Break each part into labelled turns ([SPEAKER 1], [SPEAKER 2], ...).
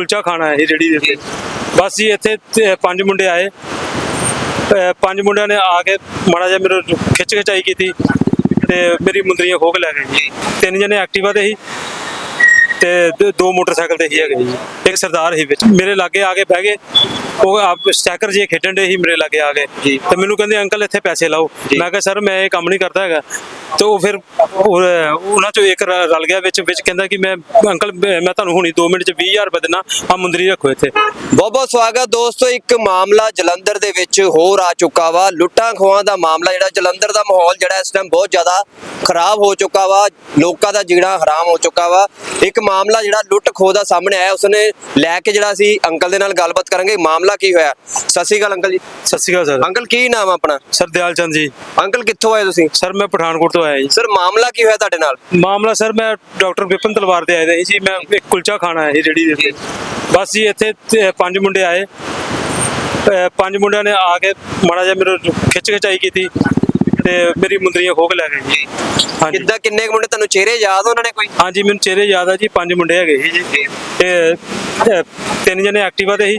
[SPEAKER 1] ਕੁਲਚਾ ਖਾਣਾ ਹੈ ਰੇੜੀ ਦੇ ਉੱਤੇ। ਬਸ ਜੀ ਇੱਥੇ 5 ਮੁੰਡੇ ਆਏ, 5 ਮੁੰਡਿਆਂ ਨੇ ਆ ਕੇ ਮਾੜਾ ਜਿਹਾ ਮੇਰੇ ਖਿੱਚ ਖਿਚਾਈ ਕੀਤੀ ਤੇ ਮੇਰੀ ਮੁੰਦਰੀਆਂ ਖੋਹ ਕੇ ਲੈ ਗਏ ਜੀ। 3 ਜਣੇ ਐਕਟਿਵਾ ਤੇ ਸੀ ਤੇ 2 ਮੋਟਰਸਾਈਕਲ ਤੇ ਹੀ ਹੈਗੇ ਜੀ। ਇੱਕ ਸਰਦਾਰ ਸੀ ਵਿੱਚ, ਮੇਰੇ ਲਾਗੇ ਆ ਕੇ ਬਹਿ ਗਏ। ਉਹ ਆਪ ਸਟੈਕਰ ਜੇ ਖੇਡਣ ਦੇ ਸੀ, ਮੇਰੇ ਲਾਗੇ ਆ ਗਏ ਤੇ ਮੈਨੂੰ ਕਹਿੰਦੇ ਅੰਕਲ ਇੱਥੇ ਪੈਸੇ ਲਾਓ। ਮੈਂ ਕਿਹਾ ਸਰ ਮੈਂ ਇਹ ਕੰਮ ਨਹੀਂ ਕਰਦਾ ਹੈਗਾ। ਤੇ ਉਹ ਫਿਰ ਉਹਨਾਂ ਚੋਂ ਇੱਕ ਰਲ ਗਿਆ ਵਿੱਚ ਕਹਿੰਦਾ ਕਿ ਮੈਂ ਅੰਕਲ ਮੈਂ ਤੁਹਾਨੂੰ ਹੁਣੀ 2 ਮਿੰਟ ਚ 20,000 ਰੁਪਏ ਦੇਣਾ, ਆ ਮੁੰਦਰੀ ਰੱਖੋ ਇੱਥੇ।
[SPEAKER 2] ਬਹੁਤ ਬਹੁਤ ਸਵਾਗਤ ਦੋਸਤੋ। ਇੱਕ ਮਾਮਲਾ ਜਲੰਧਰ ਦੇ ਵਿੱਚ ਹੋਰ ਆ ਚੁੱਕਾ ਵਾ, ਲੁੱਟਾਂ ਖੋਹਾਂ ਦਾ ਮਾਮਲਾ। ਜਿਹੜਾ ਜਲੰਧਰ ਦਾ ਮਾਹੌਲ ਜਿਹੜਾ ਇਸ ਟਾਈਮ ਬਹੁਤ ਜ਼ਿਆਦਾ ਖਰਾਬ ਹੋ ਚੁੱਕਾ ਵਾ, ਲੋਕਾਂ ਦਾ ਜੀਣਾ ਹਰਾਮ ਹੋ ਚੁੱਕਾ ਵਾ। ਇੱਕ ਮਾਮਲਾ ਜਿਹੜਾ ਲੁੱਟ ਖੋਹ ਦਾ ਸਾਹਮਣੇ ਆਇਆ, ਉਸਨੇ ਲੈ ਕੇ ਜਿਹੜਾ ਅਸੀਂ ਅੰਕਲ ਦੇ ਨਾਲ ਗੱਲਬਾਤ ਕਰਾਂਗੇ। ਮਾਮਲਾ ਕੀ ਹੋਇਆ? ਸਤਿ ਸ਼੍ਰੀ ਅਕਾਲ ਅੰਕਲ ਜੀ।
[SPEAKER 1] ਸਤਿ ਸ਼੍ਰੀ ਅਕਾਲ ਸਰ।
[SPEAKER 2] ਅੰਕਲ ਕੀ ਨਾਮ ਆਪਣਾ?
[SPEAKER 1] ਸਰ ਦਿਆਲ ਚੰਦ ਜੀ।
[SPEAKER 2] ਅੰਕਲ ਕਿੱਥੋਂ ਆਏ ਤੁਸੀਂ?
[SPEAKER 1] ਸਰ ਮੈਂ ਪਠਾਨਕੋਟ ਤੋਂ ਆਇਆ ਜੀ।
[SPEAKER 2] ਸਰ ਮਾਮਲਾ ਕੀ ਹੋਇਆ ਤੁਹਾਡੇ ਨਾਲ?
[SPEAKER 1] ਮਾਮਲਾ ਸਰ ਮੈਂ ਡਾਕਟਰ ਵਿਪਨ ਤਲਵਾਰ ਦੇ ਆਏ ਸੀ। ਮੈਂ ਇੱਕ ਕੁਲਚਾ ਖਾਣਾ ਹੈ ਰੇੜੀ ਦੇ ਉੱਤੇ। ਬਸ ਜੀ ਇੱਥੇ 5 ਮੁੰਡੇ ਆਏ, 5 ਮੁੰਡਿਆਂ ਨੇ ਆ ਕੇ ਮਾੜਾ ਜਿਹਾ ਮੇਰੇ ਖਿੱਚ ਖਿਚਾਈ ਕੀਤੀ ਤੇ ਮੇਰੀ ਮੁੰਦਰੀਆਂ ਖੋਹ ਕੇ ਲੈ ਗਏ ਜੀ। ਹਾਂਜੀ।
[SPEAKER 2] ਕਿੱਦਾਂ ਕਿੰਨੇ ਮੁੰਡੇ ਤੁਹਾਨੂੰ ਚਿਹਰੇ ਯਾਦ ਉਹਨਾਂ ਨੇ ਕੋਈ?
[SPEAKER 1] ਹਾਂਜੀ ਮੈਨੂੰ ਚਿਹਰੇ ਯਾਦ ਆ ਜੀ। 5 ਮੁੰਡੇ ਹੈਗੇ ਸੀ ਜੀ ਤੇ 3 ਜਣੇ ਐਕਟਿਵਾ ਤੇ ਸੀ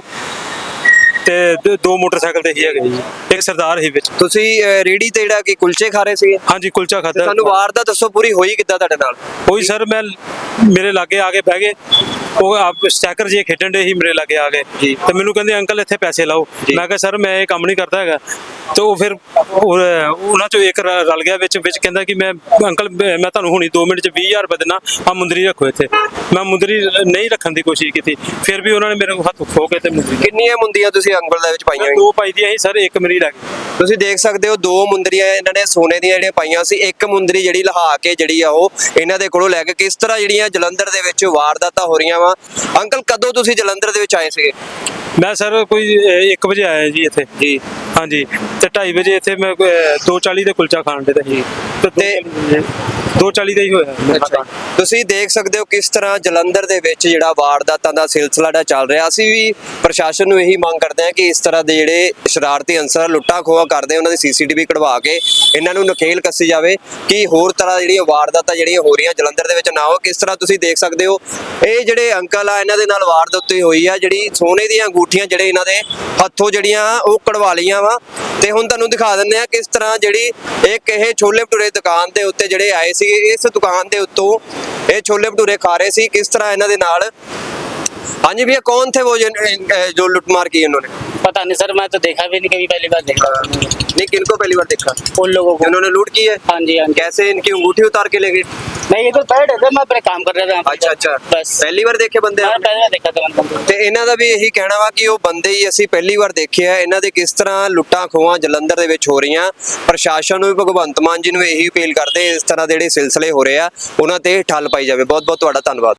[SPEAKER 1] ਤੇ 2 ਮੋਟਰਸਾਈਕਲ ਤੇ ਹੀ ਹੈਗੇ ਜੀ। ਇੱਕ ਸਰਦਾਰ ਸੀ ਵਿੱਚ।
[SPEAKER 2] ਤੁਸੀਂ ਰੇੜੀ ਤੇ ਜਿਹੜਾ ਕਿ ਕੁਲਚੇ ਖਾ ਰਹੇ ਸੀਗੇ?
[SPEAKER 1] ਹਾਂਜੀ ਕੁਲਚਾ ਖਾਧਾ।
[SPEAKER 2] ਸਾਨੂੰ ਵਾਰਦਾਤ ਦੱਸੋ ਪੂਰੀ ਹੋਈ ਕਿੱਦਾਂ ਤੁਹਾਡੇ ਨਾਲ?
[SPEAKER 1] ਉਹੀ ਸਰ ਮੈਂ ਮੇਰੇ ਲਾਗੇ ਆ ਕੇ ਬਹਿ ਗਏ। ਉਹ ਆਪ ਸਟੈਕਰ ਜੇ ਖੇਡਣ ਦੇ ਸੀ, ਮੇਰੇ ਲਾਗੇ ਆ ਗਏ ਤੇ ਮੈਨੂੰ ਕਹਿੰਦੇ ਅੰਕਲ ਇੱਥੇ ਪੈਸੇ ਲਾਓ। ਮੈਂ ਕਿਹਾ ਸਰ ਮੈਂ ਇਹ ਕੰਮ ਨਹੀਂ ਕਰਦਾ ਹੈਗਾ। ਤੇ ਉਹ ਫਿਰ ਉਹਨਾਂ ਚੋਂ ਇੱਕ ਰਲ ਗਿਆ ਵਿੱਚ ਕਹਿੰਦਾ ਕਿ ਮੈਂ ਅੰਕਲ ਮੈਂ ਤੁਹਾਨੂੰ ਹੁਣੀ 2 ਮਿੰਟ ਚ 20,000 ਰੁਪਏ ਦੇਣਾ, ਆ ਮੁੰਦਰੀ ਰੱਖੋ ਇੱਥੇ। ਮੈਂ ਮੁੰਦਰੀ ਨਹੀਂ ਰੱਖਣ ਦੀ ਕੋਸ਼ਿਸ਼ ਕੀਤੀ, ਫਿਰ ਵੀ ਉਹਨਾਂ ਨੇ ਮੇਰੇ ਹੱਥ ਖੋਹ ਕੇ ਤੇ ਮੁੰਦਰੀ।
[SPEAKER 2] ਕਿੰਨੀਆਂ ਮੁੰਦੀਆਂ ਤੁਸੀਂ ਅੰਗਲ ਦੇ ਵਿੱਚ ਪਾਈਆਂ?
[SPEAKER 1] 2 ਪਾਈ ਦੀਆਂ ਸੀ ਸਰ, ਇੱਕ ਮੇਰੀ ਲੱਗ ਗਈ।
[SPEAKER 2] ਤੁਸੀਂ ਦੇਖ ਸਕਦੇ ਹੋ 2 ਮੁੰਦਰੀਆਂ ਇਹਨਾਂ ਨੇ ਸੋਨੇ ਦੀਆਂ ਜਿਹੜੀਆਂ ਪਾਈਆਂ ਸੀ। ਇੱਕ ਮੁੰਦਰੀ ਜਿਹੜੀ ਲਹਾ ਕੇ ਜਿਹੜੀ ਆ ਉਹ ਇਹਨਾਂ ਦੇ ਕੋਲੋਂ ਲੈ ਕੇ ਕਿਸ ਤਰ੍ਹਾਂ ਜਿਹੜੀਆਂ ਜਲੰਧਰ ਦੇ ਵਿੱਚ ਵਾਰਦਾਤਾਂ ਹੋ ਰਹੀਆਂ ਵਾ। ਅੰਕਲ ਕਦੋਂ ਤੁਸੀਂ ਜਲੰਧਰ ਦੇ ਵਿੱਚ ਆਏ ਸੀਗੇ?
[SPEAKER 1] ਮੈਂ ਸਰ ਕੋਈ 1 ਵਜੇ ਆਇਆ ਜੀ ਇੱਥੇ ਜੀ। ਹਾਂਜੀ ਤੇ 2:30 ਵਜੇ ਇੱਥੇ ਮੈਂ 2:40 ਦੇ ਕੁਲਚਾ ਖਾਣ ਦੇ ਸੀ ਤੇ 2:40 ਦਾ ਹੀ ਹੋਇਆ।
[SPEAKER 2] ਤੁਸੀਂ ਦੇਖ ਸਕਦੇ ਹੋ ਕਿਸ ਤਰ੍ਹਾਂ ਜਲੰਧਰ ਦੇ ਵਿੱਚ ਜਿਹੜਾ ਵਾਰਦਾਤਾਂ ਦਾ ਸਿਲਸਿਲਾ ਦਾ ਚੱਲ ਰਿਹਾ। ਅਸੀਂ ਵੀ ਪ੍ਰਸ਼ਾਸਨ ਨੂੰ ਇਹੀ ਮੰਗ ਕਰਦੇ ਹਾਂ ਕਿ ਇਸ ਤਰ੍ਹਾਂ ਦੇ ਜਿਹੜੇ ਸ਼ਰਾਰਤੀ ਅਨਸਰ ਲੁੱਟਾਂ ਖੋਹਾਂ ਕਰਦੇ ਉਹਨਾਂ ਦੀ CCTV ਕਢਵਾ ਕੇ ਇਹਨਾਂ ਨੂੰ ਨਕੇਲ ਕੱਸੀ ਜਾਵੇ ਕਿ ਹੋਰ ਤਰ੍ਹਾਂ ਜਿਹੜੀਆਂ ਵਾਰਦਾਤਾਂ ਜਿਹੜੀਆਂ ਹੋ ਰਹੀਆਂ ਜਲੰਧਰ ਦੇ ਵਿੱਚ ਨਾ ਹੋ। ਕਿਸ ਤਰ੍ਹਾਂ ਤੁਸੀਂ ਦੇਖ ਸਕਦੇ ਹੋ ਇਹ ਜਿਹੜੇ ਅੰਕਲ ਆ ਇਹਨਾਂ ਦੇ ਨਾਲ ਵਾਰਦਾਤ ਹੋਈ ਆ। ਜਿਹੜੀ ਸੋਨੇ ਦੀਆਂ ਅੰਗੂਠੀਆਂ ਜਿਹੜੇ ਇਹਨਾਂ ਦੇ ਹੱਥੋਂ ਜਿਹੜੀਆਂ ਉਹ ਕਢਵਾ ਲਈਆਂ ਵਾ। ਤੇ ਹੁਣ ਤੁਹਾਨੂੰ ਦਿਖਾ ਦਿੰਦੇ ਆ ਕਿਸ ਤਰ੍ਹਾਂ ਜਿਹੜੀ ਇੱਕ ਇਹ ਛੋਲੇ ਭਟੂਰੇ ਦੁਕਾਨ ਦੇ ਉੱਤੇ ਜਿਹੜੇ ਆਏ ਸੀ, ਇਸ ਦੁਕਾਨ ਦੇ ਉੱਤੋਂ ਇਹ ਛੋਲੇ ਭਟੂਰੇ ਖਾ ਰਹੇ ਸੀ। किस तरह इन्होंने नाल। हाँ जी भैया कौन थे वो जो लुटमार की इन्होंने?
[SPEAKER 3] पता नहीं सर, मैं तो देखा भी नहीं, कभी पहली बार देखा।
[SPEAKER 2] नहीं किनको पहली बार देखा?
[SPEAKER 3] उन लोगों को
[SPEAKER 2] इन्होंने लूट की है।
[SPEAKER 3] हाँ जी हाँ जी।
[SPEAKER 2] कैसे इनकी अंगूठी उतार के ले गए?
[SPEAKER 3] नहीं ये तो थर्ड है, मैं अपने काम कर रहा था।
[SPEAKER 2] अच्छा अच्छा
[SPEAKER 3] बस
[SPEAKER 2] पहली बार देखे बंदे?
[SPEAKER 3] हाँ पहले देखा था मैंने।
[SPEAKER 2] ਤੇ ਇਹਨਾਂ ਦਾ ਵੀ ਇਹੀ ਕਹਿਣਾ ਵਾ ਕਿ ਉਹ ਬੰਦੇ ਹੀ ਅਸੀਂ ਪਹਿਲੀ ਵਾਰ ਦੇਖੇ ਆ। ਇਹਨਾਂ ਦੇ ਕਿਸ ਤਰ੍ਹਾਂ ਲੁੱਟਾਂ ਖੋਹਾਂ ਜਲੰਧਰ ਦੇ ਵਿੱਚ ਹੋ ਰਹੀਆਂ। ਪ੍ਰਸ਼ਾਸਨ ਨੂੰ ਵੀ ਭਗਵੰਤ ਮਾਨ ਜੀ ਨੂੰ ਇਹੀ ਅਪੀਲ ਕਰਦੇ ਇਸ ਤਰ੍ਹਾਂ ਦੇ ਜਿਹੜੇ ਸਿਲਸਿਲੇ ਹੋ ਰਹੇ ਆ ਉਹਨਾਂ ਤੇ ਠੱਲ ਪਾਈ ਜਾਵੇ। ਬਹੁਤ ਬਹੁਤ ਤੁਹਾਡਾ ਧੰਨਵਾਦ।